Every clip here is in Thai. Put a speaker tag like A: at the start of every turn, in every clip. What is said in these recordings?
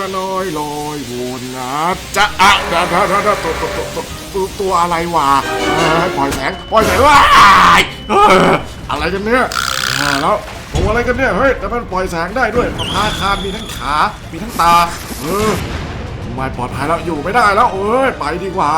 A: น้อยลอยวนนะจะตัวอะไรวะปล่อยแสงว้ายอะไรกันเนี่ยแล้วตัวอะไรกันเนี่ยเฮ้ยแต่มันปล่อยแสงได้ด้วยประภาคารมีทั้งขามีทั้งตาไม่ปลอดภัยแล้วอยู่ไม่ได้แล้วไปดีกว่า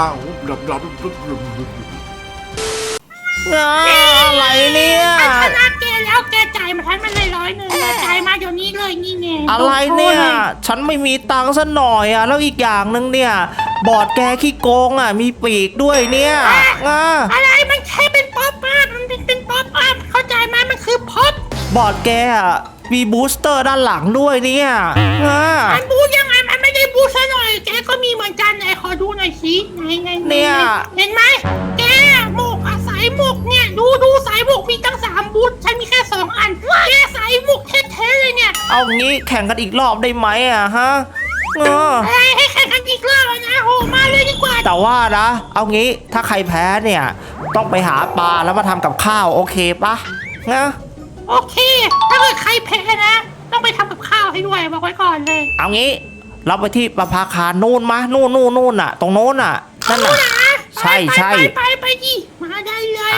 B: อะไรเนี่ย
C: ชนะแกแล้วแกจ่ายมาทันมันเลย100จ่ายมาเดี๋ยวนี้เลยนี่ไง
B: อะไรเนี่ยฉันไม่มีตังค์ซะหน่อยอ่ะแล้วอีกอย่างนึงเนี่ยบอร์ดแกขี้โกงอ่ะมีปีกด้วยเนี่ย
C: อะไรมันแค่เป็นป๊อปอัพมันเป็นป๊อปอัพเข้าใจไหมมันคือป๊อป
B: บอร์ดแกอ่ะมีบูสเตอร์ด้านหลังด้วยเนี่ย
C: มันบูยังไงมันไม่ได้บูซะหน่อยแกก็มีเหมือนกันไหนขอดูหน่อยสิไง
B: เนี่ย
C: เห็นไหมแกหมกสายหมกเนี่ยดูสายหมกมีตั้ง3บูทฉันมีแค่2อันแกสายหมกเท่ๆเลยเนี่ย
B: เอางี้แข่งกันอีกรอบได้ไหมอ่ะฮะ
C: ให้แข่งกันอีกรอบนะโหมาเลยดีกว่า
B: แต่ว่านะเอางี้ถ้าใครแพ้เนี่ยต้องไปหาปลาแล้วมาทำกับข้าวโอเคปะ
C: โอเคถ้าเกิดใครแพ้นะต้องไปทำกับข้าวให้ด้วยบอกไว้ก่อนเลย
B: เอางี้เราไปที่ประภาคารนู่นมานู่นน่ะตรงโน้นน่ะนั่นน่ะใช่
C: ไปดิมาได้เลย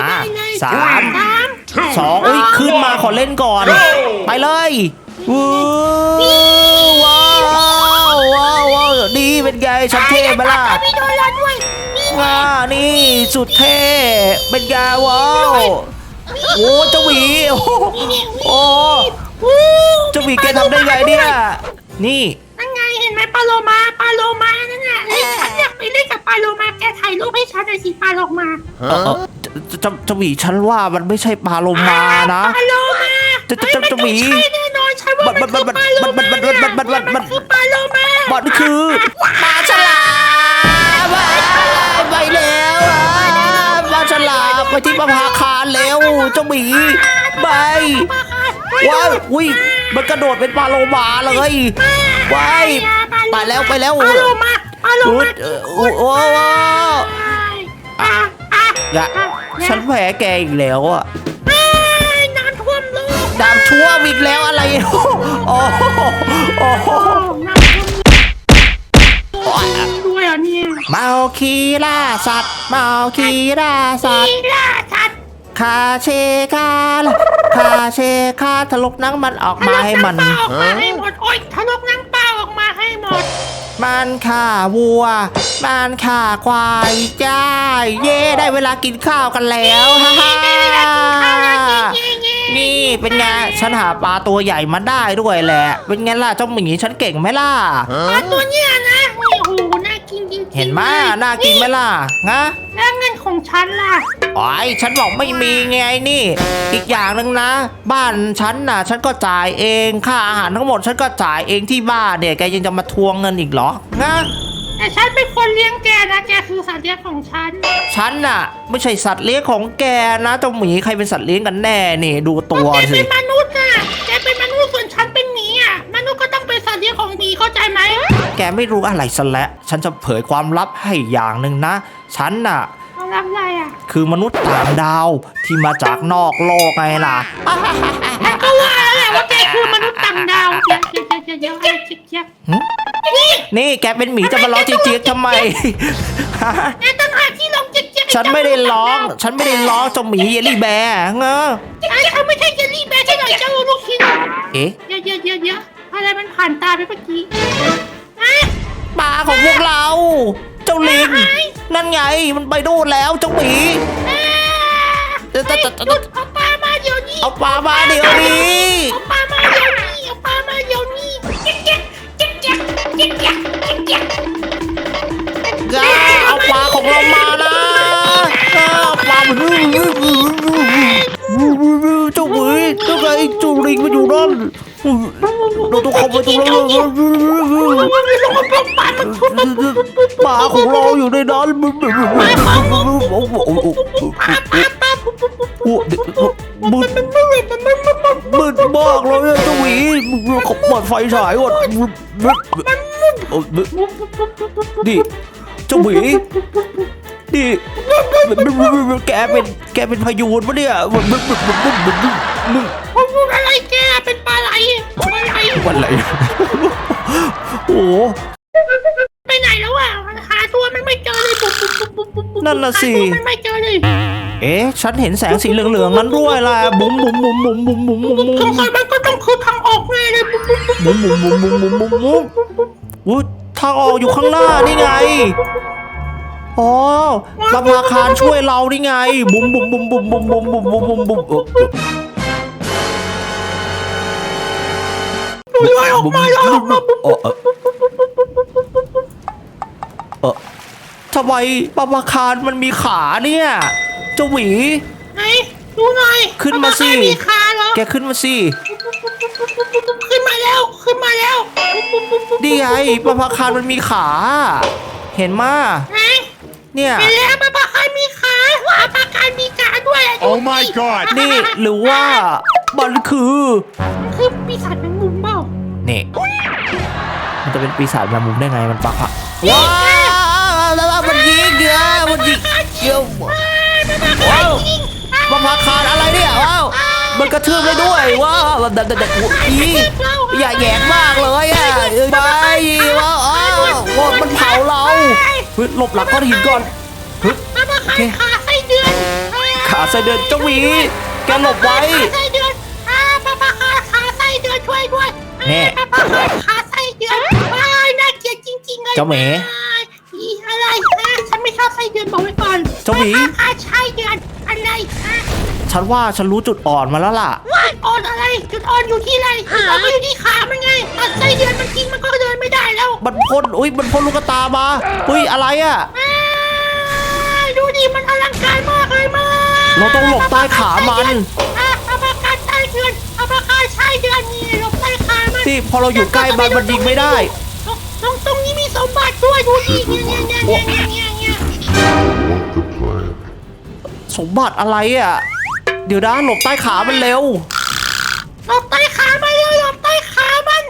B: 3 2ขึ้นมาขอเล่นก่อนไปเลยว้าวดีเป็นไงฉันเท่ไหมล่ะนี่สุดเท่เป็นไงว้าวโอ้เจ้าหวีโอ้เจ้าหวีแกทำได้ไงเนี่ยนี่
C: นั่นไงเห็นไหมปลาโลมานั่นน่ะฉันอยากไปเล่นกับปลาโลมาแกถ่ายรูปให้ฉันหน่อยสิปลาโลมา
B: เจ้าหวีฉันว่ามันไม่ใช่ปลาโลมานะ
C: ปลาโลมา
B: เจ้าหวี
C: แน่นอนฉันว่ามันคือปลาโลมามันคือปลาโลมา
B: มันคือปลาฉลามไปแล้วปลาฉลามไปที่ประภาคารแล้วเจ้าหมีไปว้าวมันกระโดดเป็นปลาโลมาเลยไปแล้ว
C: ปลาโลมา
B: โอ้ฉันแพ้แกอีกแล้วอ่ะ
C: น้ำท่วมโลก
B: น้ำท่วมอีกแล้วอะไรโอ้
C: ด้วยอ่ะเนี่ย
B: เมาคีล่าสัตว์เมาคีล่าสัตว์คาเชคาทะลกนังมันออกมาให้มัน
C: ออกมาให้หมดโอ๊ยทะลกนังเปล่าออกมาให้หมด
B: มันฆ่าวัวมันฆ่าควายจ้าเย่ได้เวลากินข้าวกันแล้วฮ่านี่เป็นไงฉันหาปลาตัวใหญ่มาได้ด้วยแหละเป็นไงล่ะเจ้าหมีฉันเก่งไหมล่ะ
C: ปลาตัวเนี้ยนะโอ้โหน่ากินจริง
B: เห็นไหมน่ากินไหมล่ะ
C: แล้วเงินของฉันล่ะ
B: ฉันบอกไม่มีไงนี่อีกอย่างหนึ่งนะบ้านฉันน่ะฉันก็จ่ายเองค่าอาหารทั้งหมดฉันก็จ่ายเองที่บ้านเนี่ยแกยังจะมาทวงเงินอีกเหรอ
C: แต่ฉันเป็นคนเลี้ยงแกนะแกคือสัตว์เลี้ยงของฉัน
B: น่ะไม่ใช่สัตว์เลี้ยงของแกนะเจ้าหมีใครเป็นสัตว์เลี้ยงกันแน่นี่ดูตัวสิ
C: แกเป็นมนุษย์น่ะแกเป็นมนุษย์ส่วนฉันเป็นหมีอ่ะมนุษย์ก็ต้องเป็นสัตว์เลี้ยงของหมีเข้าใจไหม
B: แกไม่รู้อะไรซะแล้วฉันจะเผยความลับให้อย่างหนึ่งนะฉันน่ะ
C: อะไรอ่ะ
B: คือมนุษย์ต่างดาวที่มาจากนอกโลกไงล่ะ
C: ก็ว่าแล้วแหละว่าแกคือมนุษย์ต่างดาวเจี๊ยบ
B: นี่แกเป็นหมีจะมาล้อเจี๊ยบทำไม
C: แกต้องหาที่ร้องเจี๊ยบ
B: ฉันไม่ได้ร้องเจ้าหมีเยลลี่แบร์
C: เขาไม่ใช่เยลลี่แบร์ใช่หน่อยเจ้าลูกชิ้น
B: เอ๊ะ
C: เยอะอะไรมันผ่านตาไปเมื่อกี้
B: ปลาของพวกเราเจ้าลิงนั่นไงมันไปดูแล้วเจ้าหมี
C: เอาปลามาเดี๋ยวนี้
B: เอาปลามาเดี๋ยวนี้เอาปลาของเรามานะปลาเจ้าหมีเจ้าไงจูลิงมาอยู่นั่นเราต้องเข้าไปตรงนั้นปลาของเราอยู่ในนั้นมึงมากเลยเจ้าหวีเขาเปิดไฟฉายก่อนดิเจ้าหวีดิแกเป็นพายุปะเนี่ย
C: มึงอะไรแกเป็นปลาไหล
B: วันไหลโอ้
C: ไปไหนแล้วอ่ะหาตัวมันไม่เจอเลยปุ๊บ
B: นั่นน่ะสิ
C: หาตัวมันไม่เจอเลย
B: เอ๊ะฉันเห็นแสงสีเหลืองๆนั้นด้วยล่ะบุ๋มบุ๋มบุ๋มบุ๋มบุ๋มบุ๋มบุ๋ม
C: สงสัยมันก็ต้องคือทางออกแน่เลยปุ๊บ
B: บุ๋มบุ๋มบุ๋มบุ๋มบุ๋มบุ๋มบุ๋มอุ๊ยทางออกอยู่ข้างหน้านี่ไงอ๋อประภาคารช่วยเรานี่ไงบุ๋มบุ๋มบุ๋มบุ๋มบุ๋มบุ๋มบุ๋มบุ๋มบุ๋มบุ๋ม
C: ลอยออกมาลอยออกมาปุ๊บ
B: ทำไมประภาคารมันมีขาเนี่ยเจ้าหวี
C: ไหนดูหน่อย
B: ขึ้นมาสิ
C: ประภครมีขาเหรอ
B: แกขึ้นมาสิ
C: ขึ้นมาแล้วขึ้นมาแล้ว
B: ดีไงประภาคารมันมีขา เห็นมา
C: ไหน
B: เนี่ย
C: ไปแล้วประภาคารมีขาประภาคารมีขาด้วย
D: Oh my god
B: นี่หรือว่ามันคือ
C: มันคือปีศาจแมงมุมเปล่า
B: นี่มันจะเป็นปีศาจแมงมุมได้ไงมันปะว้าวมันยิงเยอะมันยิงเยอะว้าวประภาคารอะไรเนี่ยว้าวมันกระทืบเลยด้วยว้าวแต่อีอย่าแหยงมากเลยอ่ะไปว้าวมันเผาเราหลบหลังก้อนหินก่อน
C: ประภาคารขาไส้เดือน
B: ขาไส้เดือนเจ้าหวีแกหลบไว้
C: ขาไส้เดือนประภาคารขาไส้เดือนช่วยด้วย
B: แน่
C: ประภาคารขาไส้เดือนว้ายน่าเกลียดจริงๆเลย
B: เจ้าหมี
C: อีอะไรฉันไม่ชอบไส้เดือนบอกไว้ก่อน
B: เจ้าหมี
C: ประภาคารไส้เดือนอะไร
B: ฉันว่าฉันรู้จุดอ่อนมาแล้วล่ะ
C: ว่าอ่อนอะไรจุดอ่อนอยู่ที่อะไรจุดอ่อนก็อยู่ที่ขามันไงตัดไส้เดือนมันกินมันก็เดินไม่ได้แล้ว
B: มันพ่นมันพ่นลูกตามาอะไรอ่ะ
C: ดูดิมันอลังการมากเลยมา
B: เราต้องหลบใต้ขามัน
C: ประภาคารไส้เดือนประภาคารไส้เดือนนี่หลบใต้ขามัน
B: ที่พอเราอยู่ใกล้มันยิงไม่ได้
C: ตรงนี้มีสมบัติด้วยดูดิเนี่ย
B: สมบัติอะไรอ่ะ เดี๋ยวนะหลบใต้ขามันเร็ว
C: หลบใต้ขามันเลยหลบใต้ขามัน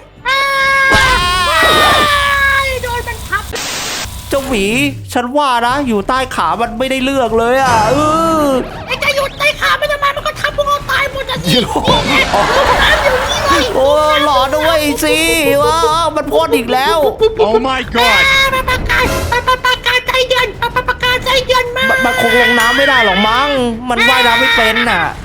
C: โดนมันทับ
B: เจ้าหมีฉันว่านะอยู่ใต้ขามันไม่ได้เลือกเลยอ่ะ
C: ไอ้จะหยุดใต้ขามันทำไมมันก็ทับพวกเราตายหมดอ่ะสิน้ำอยู่นี่เลย
B: โอ้หลอด้วยสิว้าวมันพ่นอีกแล้ว
D: Oh my god
C: ประกาศใจเดือนประกาศใจเดือนมา
B: มันคงลงน้ำไม่ได้หรอกมั้งมันว่ายน้ำไม่เป็นน่ะ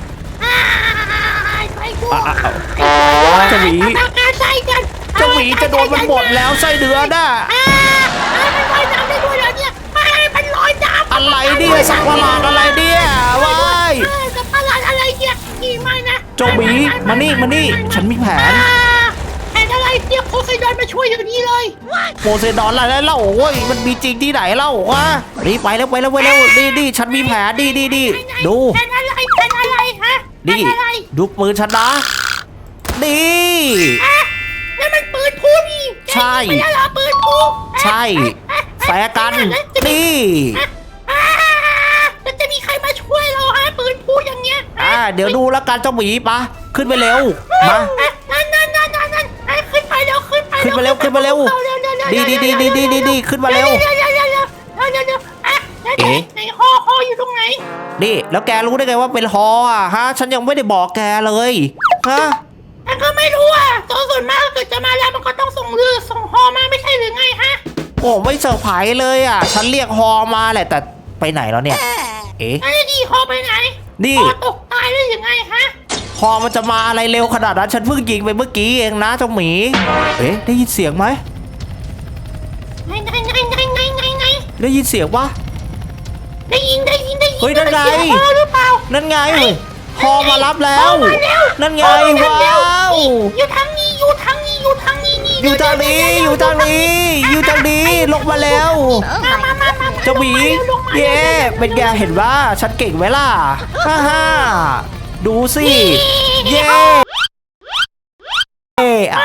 B: เจ้าหมี
C: ประกาศใจเดือน
B: เจ้าหมีจะโดนมันหมดแล้วไส้เดือนน่ะ
C: มันลอยน้ำได้ด้วยแล้วเนี่ยมันลอยน้ำ
B: อะไรเนี่ยสักประหลาดอะไรเนี่ยว้าย
C: สักประหลาดอะไรเนี่ยกี่ไม่นะ
B: เจ้าหมีมานี่ฉันมีแผน
C: แผนอะไรเรียกโคไซดอนมาช่วยอย่างนี้เลย
B: โพไซดอนอะไรเล่าโอ้ยมันมีจริงที่ไหนเล่าวะนี่ไปแล้วนี่ฉันมีแผนดีดู
C: แผนอะไรฮะ
B: นี่ดูปืนฉันนะนี่
C: นั่นมันปืนพูนี่
B: ใช่
C: ไม่ใช่เหรอปืนพู
B: ใช่แฟร์กันนี่
C: แล้วจะมีใครมาช่วยเราฮะปืนพูอย่างเงี้ย
B: เดี๋ยวดูแล้วกันเจ้าหมีปะขึ้นไปเร็วมา
C: นั่นขึ้นไปเร็วขึ้นไป
B: ขึ้นมาเร็วขึ้นมาเร็วดีขึ้นมาเร็ว เอ๊ะ
C: ไหนฮออยู่ตรงไหน
B: นี่แล้วแกรู้ได้ไงว่าเป็นฮออ่ะฮะฉันยังไม่ได้บอกแกเลยฮะ
C: ฉันก็ไม่รู้อ่ะตัวส่วนมากเกิดจะมาแล้วมันก็ต้องส่งเรือส่งฮอมาไม่ใช่หรือไงฮะ
B: โอ้ไม่เซอร์ไพรส์เลยอ่ะฉันเรียกฮอมาแหละแต่ไปไหนแล้วเนี่ยเอ๊ะ
C: ไอ้ดีฮอไปไหน
B: นี่
C: ฮอตกตายได้ยังไงฮะ
B: ฮอมันจะมาอะไรเร็วขนาดนั้นฉันเพิ่งยิงไปเมื่อกี้เองนะเจ้าหมีเอ๊ะได้ยินเสียงไหม
C: ไหน
B: ได้ยินเสียงปะ
C: ได้ยิน
B: เฮ้ยนั่นไง
C: เสียฮอหรือเปล่า
B: นั่นไงฮอมารับแล้ว นั่นไงว้าว
C: อยู่ทางนี้
B: อยู่ทางนี้อยู่ทางนี้ลงมาแล้ว
C: มา
B: เจ้าหมีเย่เป็นไงเห็นว่าฉันเก่งไหมล่ะฮ่าดูสิเย่อะ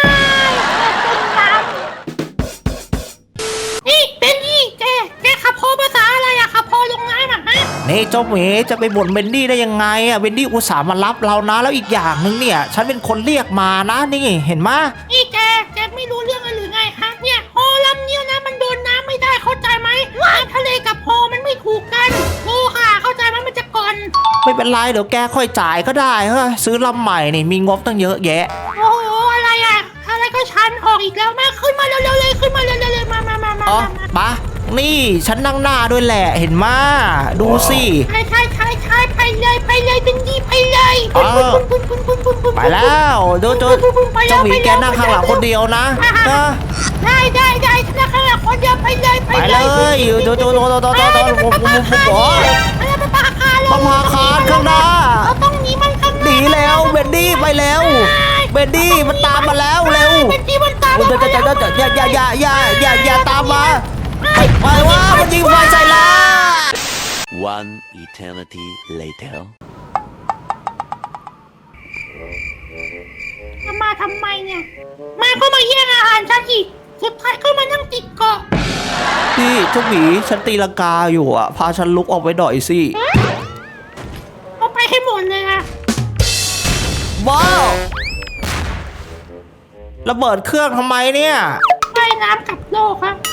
C: นี่เป็นนี่แกขับฮอภาษาอะไรอะขับฮอลงน้ำอะฮะ
B: นี่เจ้าหมีจะไปบ่นเบนดี้ได้ยังไงอะเบนดี้อุตส่าห์มารับเรานะแล้วอีกอย่างหนึ่งเนี่ยฉันเป็นคนเรียกมานะนี่เห็นไหม
C: นี่แกไม่รู้เรื่องอะไรหรือไงฮะเนี่ยฮอลำเนี้ยนะมันโดนน้ำไม่ได้เข้าใจไหมน้ำทะเลกับฮอมันไม่ถูกกันโอ้ค่ะเข้าใจไหมมันจะก่อน
B: ไม่เป็นไรเดี๋ยวแกค่อยจ่ายก็ได้เฮ้ยซื้อลำใหม่นี่มีงบตั้งเยอะแยะ
C: โอ้โหอะไรอะอะไรก็ชันออกอีกแล้วมาขึ้นมาเร็วๆเลยขึ้นมาเร็วๆเลยมา
B: อ๋อปะนี่ฉันนั่งหน้าด้วยแหละเห็นมาดูสิ
C: ใช่ไปเลยเป็นดีไปเลย
B: ไปแล้วเจ้าเจ้าหมีแกนั่งข้างหลังคนเดียวนะ
C: ได้ถ้าข้างหลังคนเดียวไปเลย
B: ไปเลยโจผมโอ้ย
C: ไปปาคา
B: ประภาคารข้างหน้า
C: เราต้องหนีมันข้างห
B: ห
C: น้า
B: นีแล้วเบนดี้ไปแล้วเบนดี้มันตามมาแล้วเร็ว
C: เป็นดีมันตาม
B: อย่าตามมาไปว่ามันยิงไฟใส่ละ
E: One eternity later.
C: มาทำไมเนี่ยมาก็มาแย่งอาหารฉันอีกสุดท้ายก็มานั่งติดเกาะ
B: พี่เจ้าหมีฉันตีลังกาอยู่อ่ะพาฉันลุกออกไปหน่อยสิ
C: เอาไปให้หมดเลยอะ
B: ว้าวระเบิดเครื่องทำไมเนี่ย
C: ว่ายน้ำกับโลกครับ